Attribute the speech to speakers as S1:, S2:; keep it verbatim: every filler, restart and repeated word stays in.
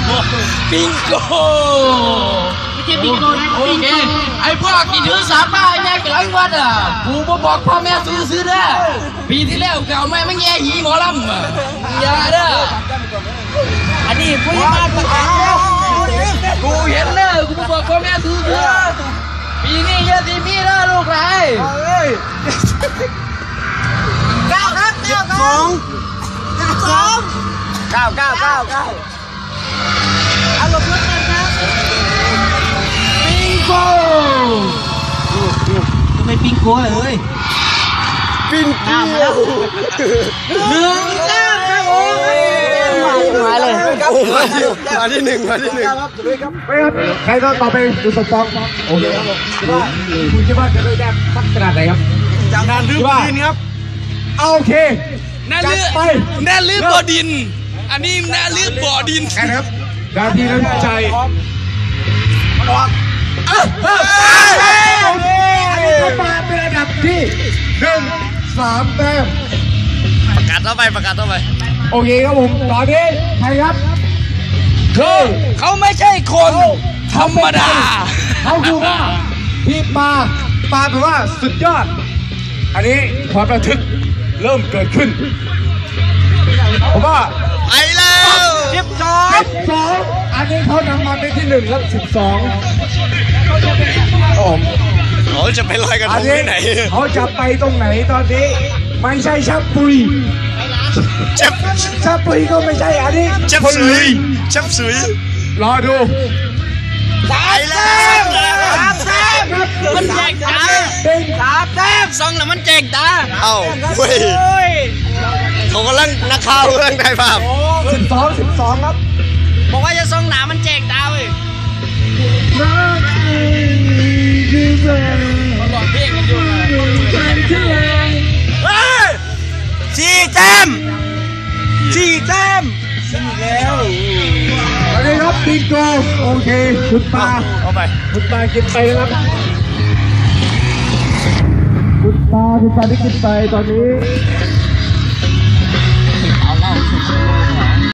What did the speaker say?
S1: ปิงโก
S2: ไม่ใช่ปิงโกนะโอเค
S1: ไอ้พวกที่ถือสามป้าแย่กลางวัดอ่ะกูมาบอกพ่อแม่ซื้อซื้อเด้อปีที่แล้วเก่าแม่ไม่แย่หีหมอลำอย่าเด้อ
S2: อันนี้ผู้ใหญ่บ้านประกาศแล้ว
S1: กูเห็นเด้อกูมาบอกพ่อแม่ซื้อซื้อปีนี้เยอะสิมีเด้อลูกหลาน
S2: เก้าครับเก้าสองสอง
S1: เก้าเก้าเก้าเก้า
S2: เอาลงรถกันครับ
S1: ปิงโก
S2: ทำไมปิงโกเลย
S1: ปิงเกี้ยว
S2: หนึ่งเก้าครับโอ้ย
S1: มาเลยมาที่หนึ่งมาที่หนึ่ง
S3: ครับใครก็ต่อไปดูสปองโอเคครับผมคิดว่าคุณคิดว่าจะได้แต้มสักขนาดไหนครับ
S1: จากการรื้อดินครับ
S3: โอเค
S1: น่าลื้อน่าลื้อบ่อดินอันนี้น่าลื้อบ่อดิน
S3: ครับการที่น้ำใจออกโอเคอันนี้ก็มาเป็นระดับที่หนึ่งสามแต้ม
S1: ประกาศต่อไปประกาศต่อไป
S3: โอเคครับผมตอนนี้ใครครับ
S1: คือเขาไม่ใช่คนธรรมดา
S3: เขาคือว่าพี่ปาปาแปลว่าสุดยอดอันนี้ความระทึกเริ่มเกิดขึ้นผมว่า
S1: ไปแล้ว
S3: สิบสองสิบสองอันนี้เขานำมาเป็นที่หนึ่งแล้วสิบสองผม
S1: เขาจะไปลอยกระทงที่ไหน
S3: เขาจะไปตรงไหนตอนนี้ไม่ใช่ชับปุย
S1: ชับ
S3: ชับปุยก็ไม่ใช่อันนี้
S1: ชับสุยชับสุย
S3: รอดู
S1: ตายแล้วสามแต้มมันแจกตา
S3: สามแต้ม
S1: ซองแล้วมันแจกตาเอ้าเว้ยเขากำลังนักข่าวกำลังได้ภาพ
S3: สิบสองสิบสองครับ
S1: บอกว่าจะซองหนามันแจกตาเว้ยสี่แต้มสี่แต้มสี่แล้ว
S3: สวัสดีครับปิงโกโอเคคุณปา
S1: เอาไป
S3: คุณปากินไปนะครับคุณปาคุณปาได้กินไปตอนนี้